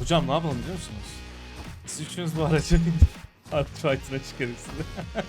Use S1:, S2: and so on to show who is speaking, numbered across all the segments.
S1: Hocam ne yapalım biliyor musunuz? Siz üçünüz bu araca binin. Artı fight'ına çıkarız size.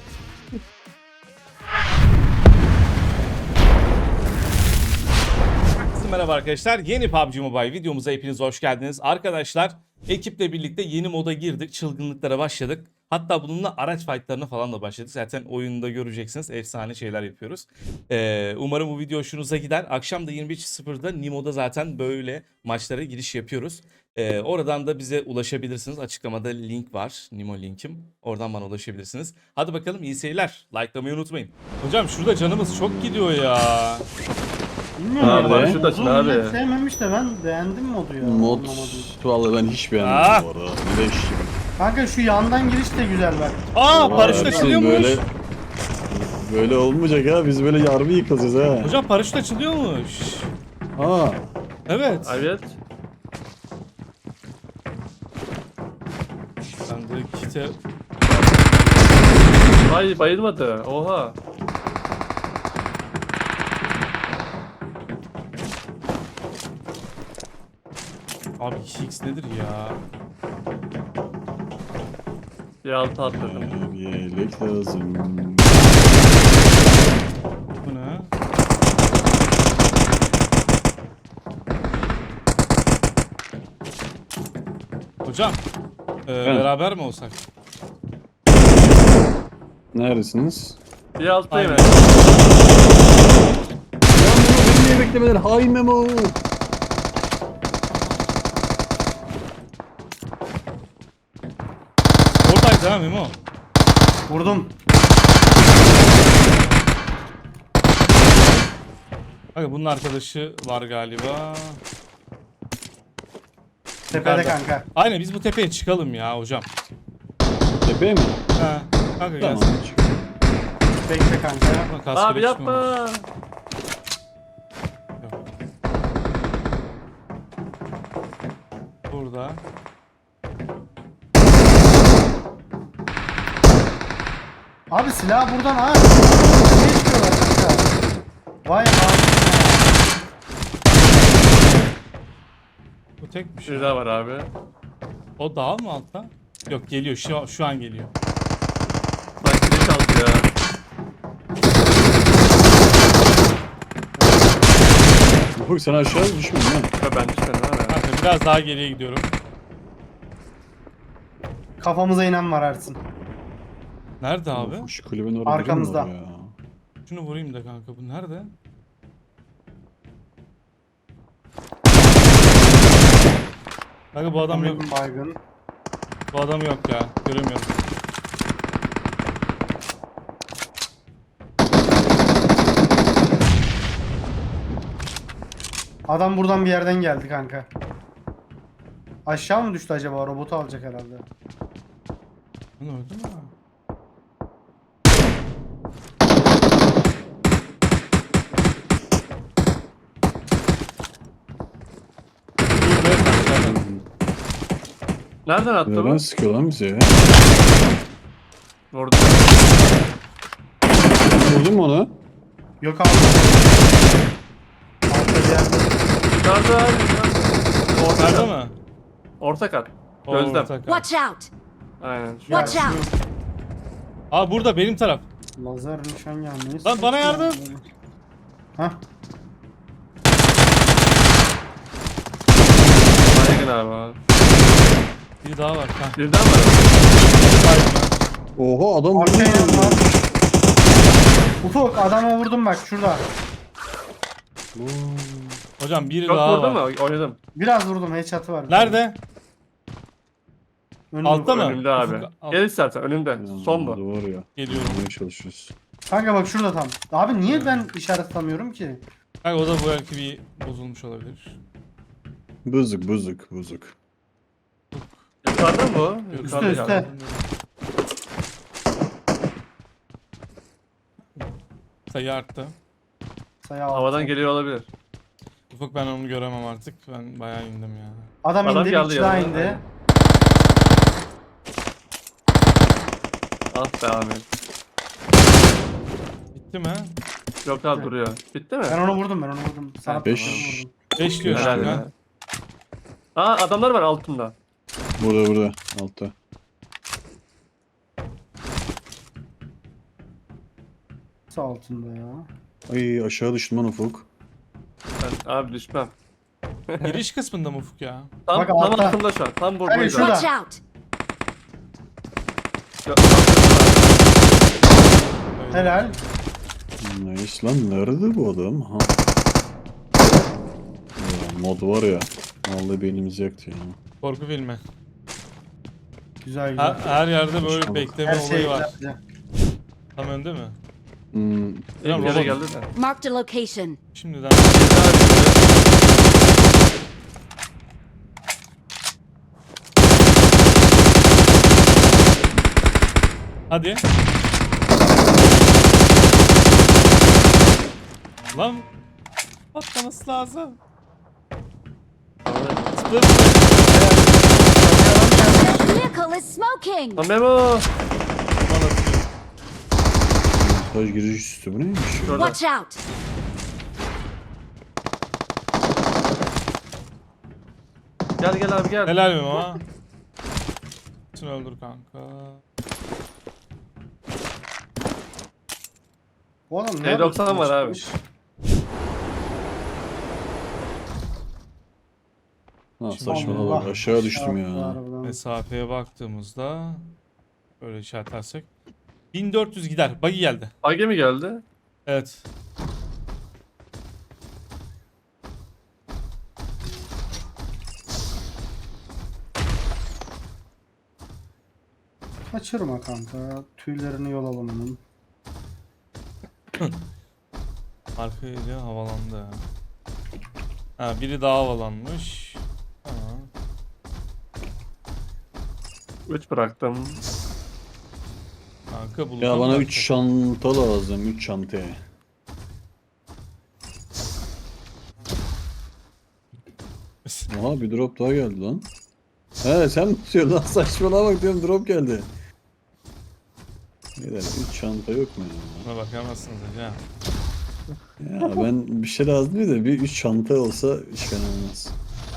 S1: Merhaba arkadaşlar. Yeni PUBG Mobile videomuza hepiniz hoş geldiniz. Arkadaşlar ekiple birlikte yeni moda girdik. Çılgınlıklara başladık. Hatta bununla araç fightlarına falan da başladık. Zaten oyunda göreceksiniz. Efsane şeyler yapıyoruz. Umarım bu video hoşunuza gider. Akşam da 21.00'da Nimo'da zaten böyle maçlara giriş yapıyoruz. Oradan da bize ulaşabilirsiniz. Açıklamada link var. Nimo linkim. Oradan bana ulaşabilirsiniz. Hadi bakalım iyi seyirler. Like'lamayı unutmayın. Hocam şurada canımız çok gidiyor ya.
S2: Bilmiyorum
S3: Abi,
S2: ya.
S3: paraşüt açın
S2: Modu
S3: abi.
S2: millet sevmemiş de ben beğendim modu ya.
S3: Mod
S2: Anlamadım.
S3: vallahi ben hiç beğenmedim
S1: Ah!
S3: bu arada. Leş gibi.
S2: Kanka şu yandan giriş de güzel bak.
S1: Aa paraşüt
S3: Ersin,
S1: açılıyormuş.
S3: Böyle olmayacak ha. Biz böyle yarbi yıkacağız ha.
S1: Hocam paraşüt açılıyormuş.
S3: Ha.
S1: Evet.
S4: Evet.
S1: Ben de kite...
S4: Ay bayılmadı. Oha.
S1: Abi 2x nedir ya?
S4: Bir altı atladım.
S3: Bir yelek lazım.
S1: Bu ne? Hocam beraber mi olsak?
S3: Neredesiniz?
S4: Bir alttayım.
S1: Aynen.
S3: Beni niye beklemeden? Hay Memo.
S1: Oradaydı ha Memo.
S2: Vurdum.
S1: Bakın bunun arkadaşı var galiba.
S2: Tepede
S1: Yukarıda.
S2: kanka.
S1: Aynen biz bu tepeye çıkalım ya hocam.
S3: Tepe mi?
S1: Ha. Kanka
S3: Tamam.
S1: gelsin.
S2: Bekle kanka.
S1: Ama kaskı
S4: Abi
S1: da
S4: yapma.
S1: çıkmamış. Yok. Burada.
S2: Abi silah buradan ha. Ne istiyorlar kanka? Vay abi.
S1: Bu tek bir
S4: Bir
S1: şey.
S4: daha var abi.
S1: O dağ mı altta? Yok geliyor şu an geliyor.
S4: Sanki ne çaldı ya.
S3: Ufuk sen aşağı düşmedin ha.
S4: Ya ben düşmedim abi.
S1: Kanka biraz daha geriye gidiyorum.
S2: Kafamıza inen var Ersin.
S1: Nerede abi?
S3: Ufuk şu kulübün orada
S2: Arkamızda.
S3: biri mi var ya?
S1: Şunu vurayım da kanka bu nerede? Kanka bu adam yok.
S2: Baygın.
S1: Bu adam yok ya. Göremiyorum.
S2: Adam buradan bir yerden geldi kanka. Aşağı mı düştü acaba? Robotu alacak herhalde.
S1: Lan öldü mü?
S4: Nereden attı
S3: Neden
S4: bu?
S3: sıkıyor lan bize ya?
S4: Vurdu.
S3: Vurdun mu onu?
S2: Yok abi. Altta bir yerde.
S4: Yukarıda abi. Orta
S1: Nerede
S4: kat.
S1: mi?
S4: Orta kat.
S1: O
S4: Gözlem.
S1: orta kat.
S5: Watch out!
S4: Aynen.
S5: Watch
S2: Ya,
S5: out!
S1: Aa burada benim taraf.
S2: Lazer nişan gelmeyi.
S1: Lan bana yardım.
S2: Hah.
S4: Baygın abi.
S1: Bir daha var. Ha.
S4: Birden var.
S3: Oha adam
S2: Arkaya
S3: vuruyor.
S2: yanma. Ufuk adama vurdum bak şurada.
S1: Hocam biri
S4: Çok
S1: daha
S4: vurdu mu?
S1: var.
S4: Oynadım.
S2: Biraz vurdum headshot'ı var.
S1: Nerede?
S2: Önümde.
S1: Altta mı?
S4: Önümde abi.
S1: Ufuk, al.
S4: Gel istersen önümde. Son bu.
S3: Doğru ya.
S1: Geliyorum.
S3: Yapmaya çalışıyoruz.
S2: Kanka bak şurada tam. Abi niye ben işaret tutamıyorum ki?
S1: Kanka o da bu belki bir bozulmuş olabilir.
S3: Bozuk.
S4: Yukarıda mı bu?
S2: Üste,
S4: Yukarıda
S2: üste.
S4: galiba.
S1: Sayı arttı.
S2: Sayı altı.
S4: Havadan geliyor olabilir.
S1: Ufuk ben onu göremem artık. Ben bayağı indim ya.
S2: Adam
S4: Adam
S2: indi,
S4: geldi
S2: bir daha
S4: yanına.
S2: indi.
S4: Ah be Ahmet.
S1: Bitti mi?
S4: Yok abi duruyor. Bitti mi?
S2: Ben onu vurdum. Sana
S3: Beş.
S2: vurdum.
S1: 5 diyor
S4: Helal
S1: kanka.
S4: ya. Aa adamlar var altında.
S3: Burada. Altta.
S2: Sağ altında ya.
S3: Ay aşağı düştüm lan Ufuk.
S4: Ben abi düşmem.
S1: Giriş kısmında mı Ufuk ya?
S4: Tam,
S2: Bak
S4: tam
S2: altta.
S4: altında şu an. Tam
S2: Hayır,
S4: buradaydı.
S2: şurada.
S5: Watch out!
S2: Helal.
S3: Nice lan nerede bu adam? Ha. Ya, mod var ya. Vallahi beynimiz yaktı ya.
S1: Korku filmi.
S2: Güzel güzel.
S1: Her yerde böyle
S3: Tamam.
S1: bekleme
S2: Her şey
S1: olayı var.
S2: güzel.
S1: Tam önde mi?
S3: Hmm,
S4: İlk kere
S1: robot.
S4: geldi de.
S5: Marked a location.
S1: Şimdiden. Hadi. Lan patlaması lazım. Zıpla zıpla.
S5: The vehicle is smoking!
S4: Lan Memo.
S3: montaj giriş üstü bu neymiş ya?
S4: Şurada.
S5: Watch out!
S4: Gel abi gel.
S1: Helal mi ama? Şunu öldür kanka.
S2: Bu adam ne
S4: T90
S2: yapıyor?
S4: var abi.
S3: Ha saçmalama
S2: Allah.
S3: bak aşağı düştüm ya.
S2: Harbiden.
S1: Mesafeye baktığımızda böyle işaretlersek 1400 gider. Buggy geldi.
S4: Age mi geldi?
S1: Evet.
S2: Kaçırma kanka. Tüylerini yol alanının.
S1: Arkayla havalandı. Ha, biri daha havalanmış. Tamam.
S4: 3 bıraktım.
S1: Kanka bulacağım.
S3: Ya bana
S1: zaten.
S3: 3 çanta lazım 3 çanta. Aha bir drop daha geldi lan. He sen mi tutuyorsun lan saçmalama bak diyorum drop geldi. Beyler 3 çanta yok mu ya?
S1: Buna bakamazsınız hocam.
S3: Ya ben bir şey lazım değil de bir 3 çanta olsa hiç fena olmaz.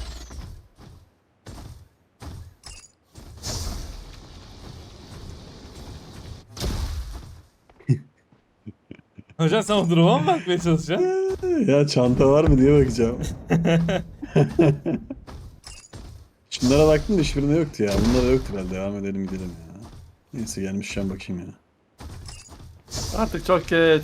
S1: Hocam sen o duruma mı bakmaya çalışacaksın?
S3: Ya çanta var mı diye bakacağım. Şunlara baktım da hiçbirinde yoktu ya. Bunlara yoktu herhalde. Devam edelim gidelim ya. Neyse gelmişken bakayım ya.
S4: Artık çok geç.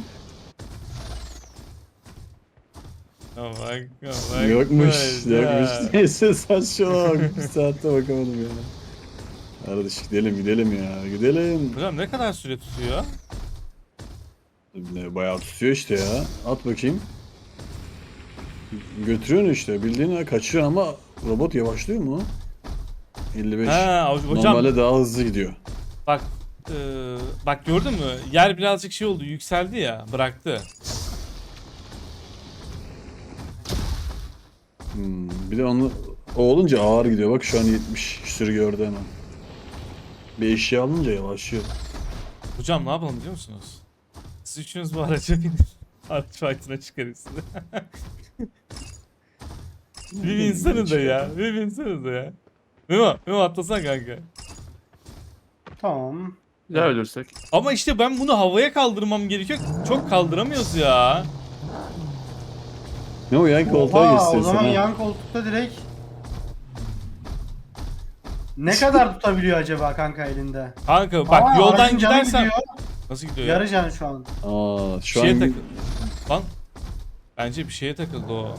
S1: Bak.
S3: Yokmuş.
S1: Ya.
S3: Yokmuş. Neyse saçmalama. Bir saatte bakamadım ya. Kardeş gidelim ya. Gidelim.
S1: Hocam ne kadar süre tutuyor?
S3: Ne, bayağı tutuyor işte ya. At bakayım. Götürüyorsun işte. Bildiğin kaçıyor ama robot yavaşlıyor mu? 55.
S1: Ha hocam
S3: Normalde daha hızlı gidiyor.
S1: bak bak gördün mü? Yer birazcık şey oldu, yükseldi ya, bıraktı.
S3: Bir de onu o olunca ağır gidiyor. Bak şu an 70 küsür gördü hemen. Bir eşya alınca yavaşlıyor.
S1: Hocam ne yapalım biliyor musunuz? Siz üçünüz bu araca binin. Araç fight'ına çıkarız. Bir binseniz de ya. Bir binseniz de ya. Memo atlasana kanka.
S2: Tamam.
S4: Ya ölürsek.
S1: Ama işte ben bunu havaya kaldırmam gerekiyor. Çok kaldıramıyoruz ya.
S3: Ne o yan koltuğa
S2: Oha,
S3: geçsin
S2: o zaman
S3: sen.
S2: yan koltukta direkt ne kadar tutabiliyor acaba kanka elinde?
S1: Kanka bak
S2: Aa,
S1: yoldan
S2: aracın canı
S1: gidersen...
S2: gidiyor.
S1: Nasıl gidiyor ya?
S2: Yarı can şu an.
S3: Aa
S1: Bir
S3: şu
S1: şeye
S3: an
S1: takıldı. Lan. Bence bir şeye takıldı o.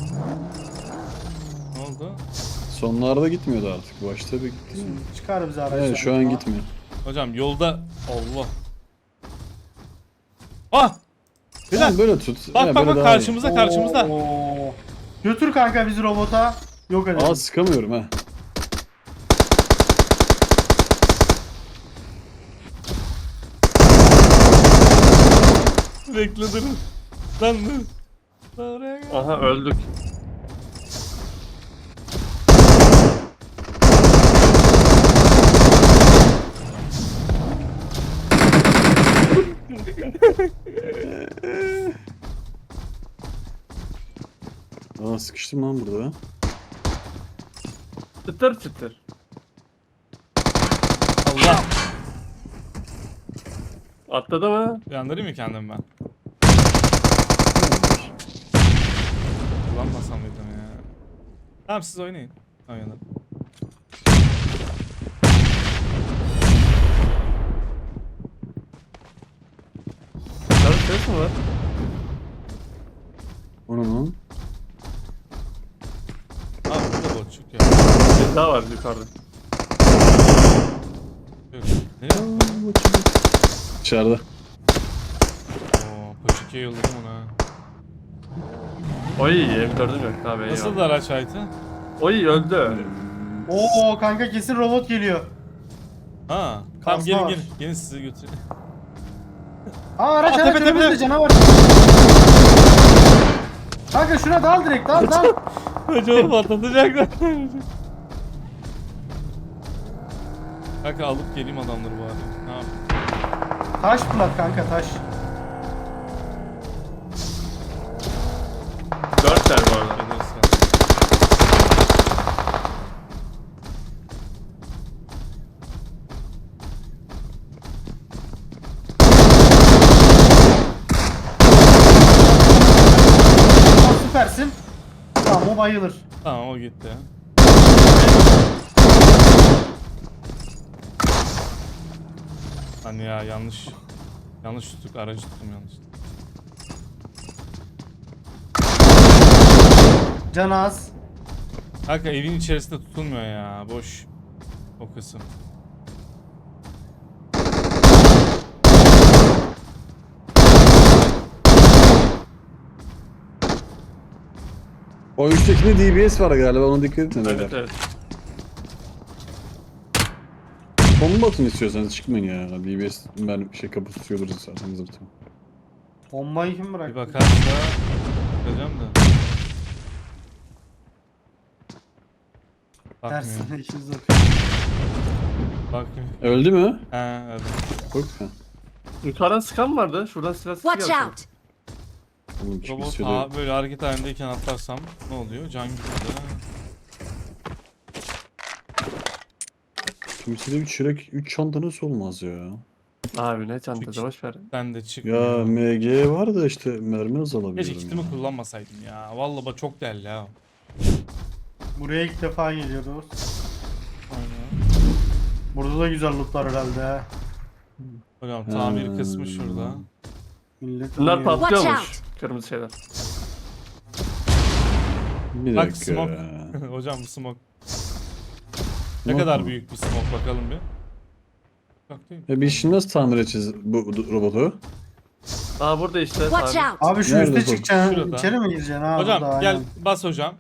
S1: Ne oldu?
S3: sonlarda gitmiyordu artık. Başta bir gitti.
S2: Çıkar bize araçtan.
S3: Evet şu an gitmiyor.
S1: Hocam yolda... Allah. Ah! Beyler.
S3: Tamam, böyle tut.
S1: Bak
S3: He,
S1: bak
S3: böyle
S1: bak
S3: daha iyi.
S1: karşımızda.
S2: Oo. Götür kanka bizi robota. Yok edelim.
S3: Aa sıkamıyorum ha.
S1: Bekle dur. Lan dur. Lan oraya gel.
S4: Aha öldük.
S3: Aa sıkıştım lan burada.
S4: Çıtır çıtır. Atladı mı?
S1: Uyandırayım mı kendimi ben? Kullanmasam mıydım ya? Tamam siz oynayın. Oynayalım.
S4: Dışarı ses mi var?
S3: Onun lan.
S1: Abi burada botçuk ya.
S4: Bir daha var yukarıda.
S1: Yok. Nereye?
S3: Dışarıda.
S1: Oo, Koçiki'ye yolladım onu ha.
S4: Oy M4'üm yok abi. eyvallah.
S1: Nasıldı araç fight'ı?
S4: Oy öldü.
S2: Oo kanka kesin robot geliyor.
S1: Ha. Tamam
S2: Kasma
S1: gelin
S2: var.
S1: gelin. Gelin sizi götüreyim.
S2: Aa araç
S1: Aa,
S2: araç
S1: tepe, tepe.
S2: önümüzde canavar. Kanka şuna dal direkt dal dal.
S1: Hocam patlatacaklar. Kanka alıp geleyim adamları bari. Ne yapayım?
S2: Taş plat kanka taş.
S4: 4 bu arada.
S1: Geliriz ya.
S2: Aa, süpersin. Tamam o bayılır.
S1: Tamam o gitti. Hani ya yanlış tuttuk, aracı tuttum yanlış.
S2: Can az.
S1: Kanka evin içerisinde tutulmuyor ya, boş o kısım.
S3: O üsttekinde DBS var galiba, ona dikkat edin.
S4: Evet evet.
S3: Bomba atın istiyorsanız, çıkmayın ya. DBS ben kapı tutuyordur zaten zırtım.
S2: Bombayı kim
S1: Bir
S2: bıraktı?
S1: bakarsa bakacağım da. Bakmıyor.
S2: Tersine işi zor.
S1: Bakmıyor.
S3: Öldü mü?
S1: He evet.
S3: Yok ha.
S4: Yukarıdan sıkan vardı. Şuradan silah sesi
S5: Watch
S4: geldi.
S5: out!
S3: Oğlum kim
S1: Robot
S3: istiyordu?
S1: böyle hareket halindeyken atlarsam ne oluyor? Can gitti.
S3: Kimsede 3 çörek, 3 çanta nasıl olmaz ya?
S4: Abi ne çantası boş ver.
S1: Ben de
S3: Ya
S1: çıkmıyor.
S3: MG var da işte mermi azalabiliyorum.
S1: Keşke kitimi
S3: ya.
S1: kullanmasaydım ya. Vallahi bak çok değerli ha.
S2: Buraya ilk defa geliyoruz.
S1: Aynen.
S2: Burada da güzel lootlar herhalde.
S1: Hocam tamir kısmı şurada.
S2: Millet
S4: Bunlar
S2: oynuyor.
S5: Watch
S4: patlıyormuş.
S5: out.
S4: Kırmızı şeyler.
S3: Bir
S1: Bak
S3: dakika
S1: smoke.
S3: ya.
S1: Hocam bu smoke. Ne
S3: Smoke
S1: kadar
S3: mu?
S1: büyük bir smoke bakalım bir. Bak değil mi?
S3: Ya biz şimdi nasıl tamir edeceğiz bu robotu?
S4: Aa burada işte.
S5: Watch
S4: Abi.
S5: out!
S2: Abi şu
S3: Nerede
S2: üste
S3: bu?
S2: çıkacaksın.
S1: Şurada.
S2: İçeri mi gireceksin? Ha,
S1: Hocam
S2: burada,
S1: gel
S2: aynen.
S1: bas hocam.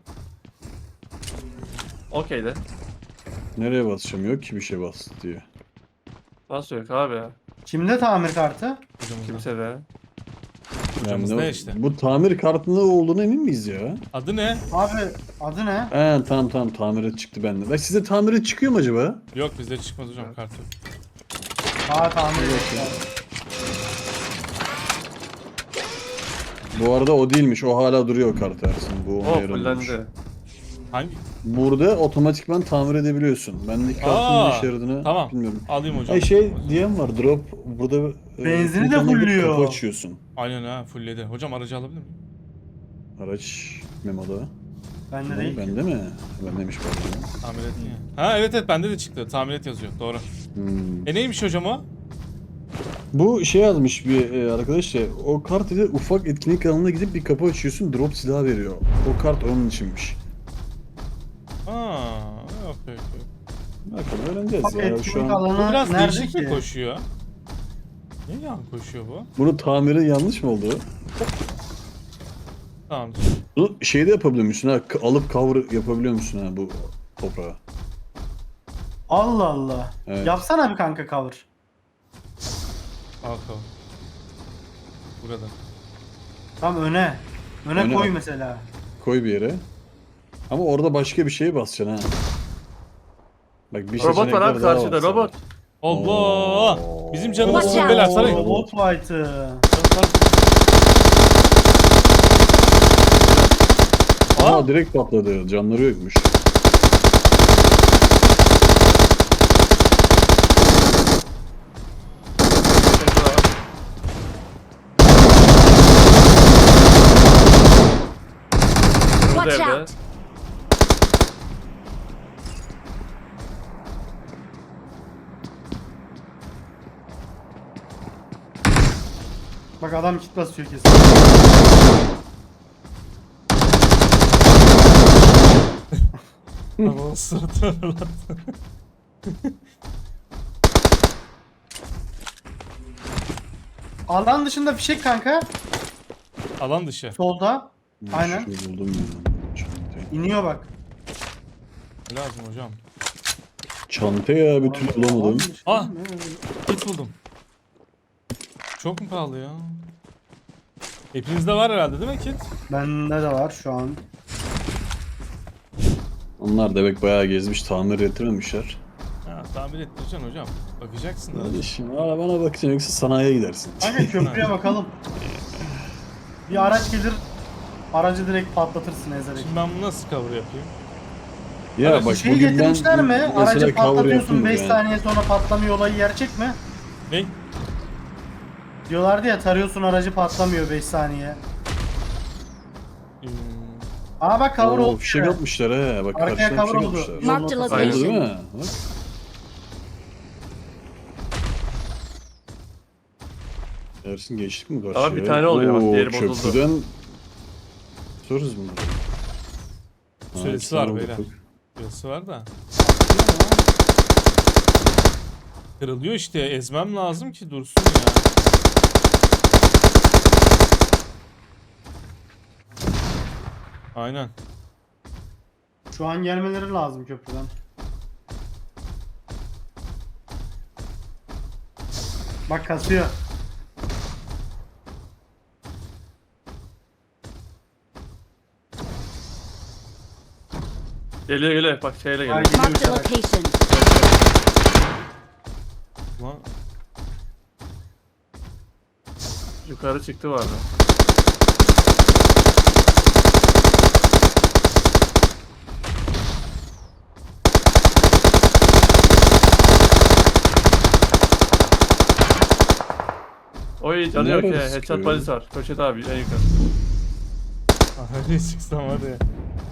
S4: Okey de.
S3: Nereye basacağım? Yok ki bir şey bas diye.
S4: Nasıl yok abi ya?
S2: Kimde tamir kartı?
S1: Hocamızda.
S4: Kimse de.
S1: Hocamız
S3: Yani
S1: ne işte?
S3: Bu tamir kartında olduğuna emin miyiz ya?
S1: Adı ne?
S2: Abi adı ne?
S3: He tamam tamir çıktı bende. Bak size tamir çıkıyor mu acaba?
S1: Yok bizde çıkmaz hocam kartı.
S2: Aa tamir ediyor.
S3: Bu arada o değilmiş. O hala duruyor o kart Ersin. Bu ona
S4: Oh
S3: yaramıyormuş.
S4: fullendi.
S1: Hangi?
S3: Burada otomatikman tamir edebiliyorsun. Bendeki kartın
S1: Aa,
S3: ne işe yaradığını
S1: tamam.
S3: bilmiyorum.
S1: Alayım hocam.
S3: Ay şey diyen var, drop burada
S2: Benzini de
S3: butonuna gidip
S2: fulluyor.
S3: Kapı açıyorsun.
S1: Aynen ha fullledi. Hocam aracı alabilir miyim?
S3: Araç memoda.
S2: Bende değil.
S3: Bende mi? Bendeymiş pardon.
S1: Tamir et ya. Ha evet bende de çıktı. Tamir et yazıyor. Doğru.
S3: Hmm.
S1: Neymiş hocam o?
S3: Bu şey yazmış bir arkadaş ya, o kart ile ufak etkinlik alanına gidip bir kapı açıyorsun, drop silah veriyor. O kart onun içinmiş.
S1: Aa, okey.
S3: Bakalım öğreneceğiz
S2: Bak
S3: ya şu
S2: etkinlik
S3: an.
S1: Bu
S2: alanı
S1: biraz
S2: nerede
S1: değişik mi
S2: ki?
S1: koşuyor? Niye yan koşuyor bu?
S3: Bunu tamiri yanlış mı oldu?
S1: Tamam.
S3: Bunu şeyde yapabiliyor musun ha? Alıp cover yapabiliyor musun ha bu toprağa?
S2: Allah Allah.
S3: Evet.
S2: Yapsana bir kanka cover.
S1: Bakalım. Burada.
S2: Tam öne. Öne
S3: Öne
S2: koy
S3: bak.
S2: mesela.
S3: Koy bir yere. Ama orada başka bir şeye basacaksın ha. Bak bir
S4: Robot var
S3: seçenekler
S4: abi
S3: daha
S4: karşıda
S3: var sana.
S4: robot.
S1: Allah!
S3: Oo.
S1: Bizim canımız
S5: Watch
S1: sıkın beyler
S5: out.
S1: sarayın.
S2: Robot fight'ı.
S3: Aa direkt patladı. Canları yokmuş.
S4: Şurada
S5: Watch
S4: evde.
S5: out!
S2: Bak adam kit basıyor kesin.
S1: Ama sırtına lan.
S2: Alan dışında fişek kanka.
S1: Alan dışı.
S2: Solda. Aynen.
S3: Şunu buldum ya. Çantayı.
S2: İniyor bak.
S1: Lazım hocam.
S3: Çantayı bir türlü bulamadım.
S2: Alan dışında
S1: Ah!
S2: mı?
S1: Kit buldum. Çok mu pahalı ya? Hepinizde var herhalde değil mi kit?
S2: Bende de var şu an.
S3: Onlar demek bayağı gezmiş, tamir ettirememişler.
S1: Ha, tamir ettireceksin hocam. Bakacaksın da.
S3: Hadi şimdi arabana bakacaksın yoksa sanayiye gidersin.
S2: Kanka köprüye bakalım. Bir araç gelir. Aracı direkt patlatırsın ezerek.
S1: Şimdi ben bunu nasıl cover yapayım?
S3: Ya
S1: Aracı
S3: bak
S2: Şeyi
S3: bugün ben
S2: getirmişler mi?
S3: mesela
S2: Aracı
S3: cover
S2: patlatıyorsun
S3: yaptım
S2: 5
S3: yani.
S2: saniye sonra patlamıyor olayı gerçek mi?
S1: Ne?
S2: Diyorlardı ya tarıyorsun aracı patlamıyor 5 saniye.
S1: Hmm,
S2: Aa bak cover
S3: Oo,
S2: oldu.
S3: fişek atmışlar he. Bak
S2: Arkaya
S3: karşıdan
S2: cover
S3: fişek
S2: oldu.
S3: atmışlar.
S2: Yolun
S5: Marked
S2: ortasına.
S4: Aynen.
S3: Oldu değil
S5: location.
S3: mi? Bak. Ersin geçtik mi karşıya?
S4: Ama bir tane oluyor bak,
S3: Oo,
S4: diğeri bozuldu.
S3: Köprüden soruz bunları. Ha,
S1: Süresi
S3: iki
S1: var
S3: tane
S1: beyler.
S3: bulduk.
S1: Burası var da. Kırılıyor işte. Ezmem lazım ki dursun ya. Aynen.
S2: Şu an gelmeleri lazım köprüden. Bak kasıyor.
S4: Geliyor geliyor. Bak şeyle
S2: Ay,
S4: geliyor.
S5: Marked a
S2: uçarak.
S5: location.
S1: Ulan
S4: Yukarı çıktı vardı. Oy canı yok
S3: Nerede
S4: ya. Headshot
S3: sıkıyor?
S4: balisi var. Köşede abi en yukarı.
S1: nereye çıksam var ya.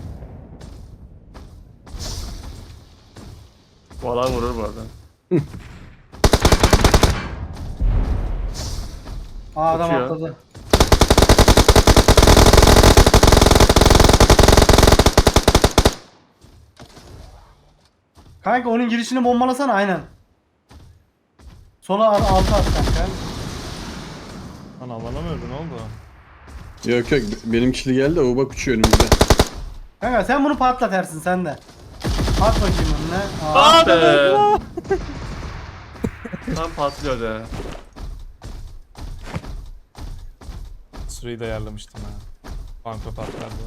S4: Bu alan vurur bu arada.
S2: Aa adam
S4: Uçuyor.
S2: atladı. Kanka onun girişini bombalasana aynen. Sola altı at kanka.
S1: Lan alana mı öldü ne oldu?
S3: Yok yok benim kişili geldi o bak uçuyor önümüzde.
S2: Kanka sen bunu patlat Ersin sen de. At bakayım önüne. Aa,
S4: Ah be! Tam patlıyor ya.
S1: Süreyi de ayarlamıştım ha. Banko patlardı.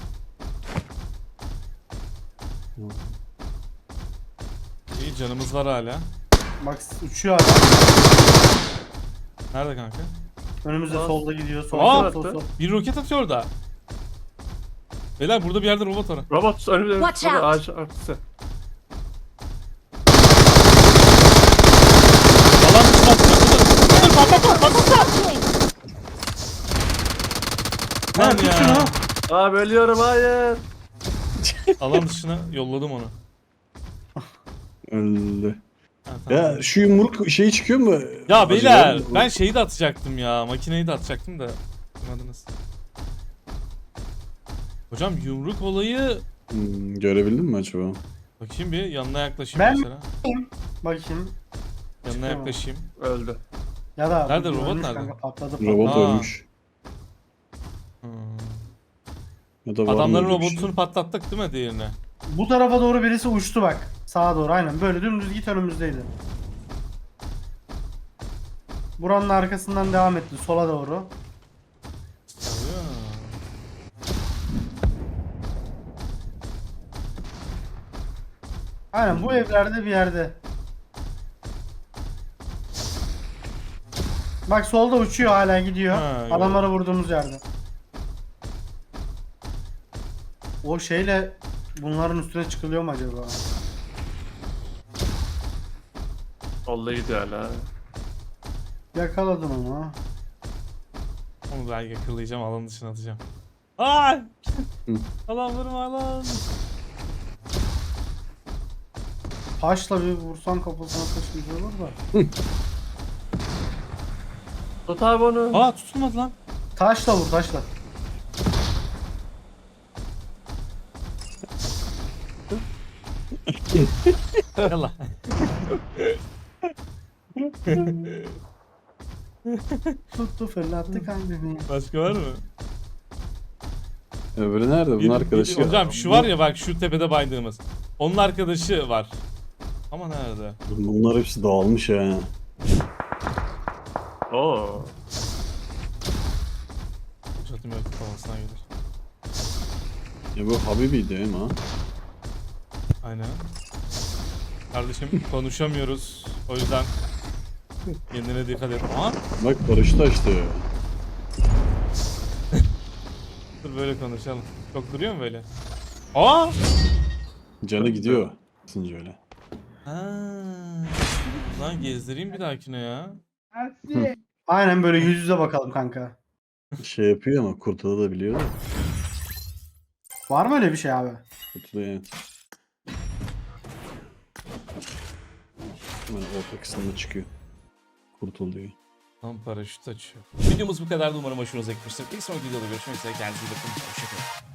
S1: İyi canımız var hala.
S2: bak uçuyor adam.
S1: Nerede kanka?
S2: Önümüzde
S4: Aa.
S2: solda gidiyor. Sol
S1: Aa.
S2: sol sol.
S1: Bir roket atıyor da. Beyler burada bir yerde robot var.
S4: Robot önümüzde.
S5: Watch
S4: Burada
S5: out.
S4: ağaç arkası.
S1: Alan dışına atıyor. Dur patlat patlat.
S2: Ha,
S1: Lan
S2: tut
S1: ya.
S2: şunu.
S4: Abi ölüyorum hayır.
S1: Alan dışına yolladım onu.
S3: Öldü.
S1: Ha, tamam.
S3: Ya şu yumruk şeyi çıkıyor mu?
S1: Ya beyler
S3: Acaba-
S1: ben şeyi de atacaktım ya. Makineyi de atacaktım da. Anladınız. Hocam yumruk olayı
S3: Görebildin mi acaba?
S1: bakayım bir yanına yaklaşayım
S2: Ben-
S1: mesela.
S2: Bakayım.
S1: Yanına
S2: Çıkıyor mu?
S1: yaklaşayım.
S4: Öldü.
S2: Ya da
S1: Nerede,
S2: ölmüş
S1: robot
S2: kanka,
S1: nerede?
S2: patladı.
S3: Robot
S1: Aa.
S3: ölmüş.
S1: Hmm.
S3: Ya da var mı
S1: Adamların
S3: öyle bir şey?
S1: robotunu patlattık değil mi diğerine?
S2: Bu tarafa doğru birisi uçtu bak. Sağa doğru aynen. Böyle dümdüz git önümüzdeydi. Buranın arkasından devam etti sola doğru.
S1: Sarıyor.
S2: Aynen bu evlerde bir yerde. Bak solda uçuyor hala gidiyor.
S1: Ha, evet.
S2: Adamlara vurduğumuz yerde. O şeyle bunların üstüne çıkılıyor mu acaba?
S4: Solda gidiyor hala.
S2: Yakaladım onu.
S1: Onu belki yakalayacağım alanın dışına atacağım. Aa! Alan vurma lan.
S2: Taşla bir vursan kafasına taşınca olur da.
S4: Tut abi onu.
S1: Aa tutulmadı lan.
S2: Taşla vur taşla.
S1: Yallah.
S2: Tuttu fırlattı kalbimi.
S1: Başka var mı?
S3: Öbürü nerede? Bunun arkadaşı.
S1: Hocam şu var ya bak şu tepede baydığımız. Onun arkadaşı var. Ama nerede?
S3: Bunlar hepsi dağılmış ha.
S4: Oo.
S1: Çatım yok kafasına gelir.
S3: Ya bu Habibi değil mi ha?
S1: Aynen. Kardeşim konuşamıyoruz. O yüzden kendine dikkat et. Aa,
S3: Bak paraşüt açtı.
S1: dur böyle konuşalım. Çok duruyor mu böyle? Aa!
S3: Canı gidiyor. Isınca öyle.
S1: Ha. Lan gezdireyim bir dahakine ya.
S2: Aynen böyle yüz yüze bakalım kanka.
S3: Şey yapıyor ama kurtulabiliyor da.
S2: Var mı öyle bir şey abi?
S3: Kurtuluyor evet. Hemen orta kısmında çıkıyor. Kurtuluyor.
S1: Tam paraşüt açıyor. Videomuz bu kadardı. Umarım hoşunuza gitmiştir. Bir sonraki videoda görüşmek üzere. Kendinize iyi bakın. Hoşçakalın.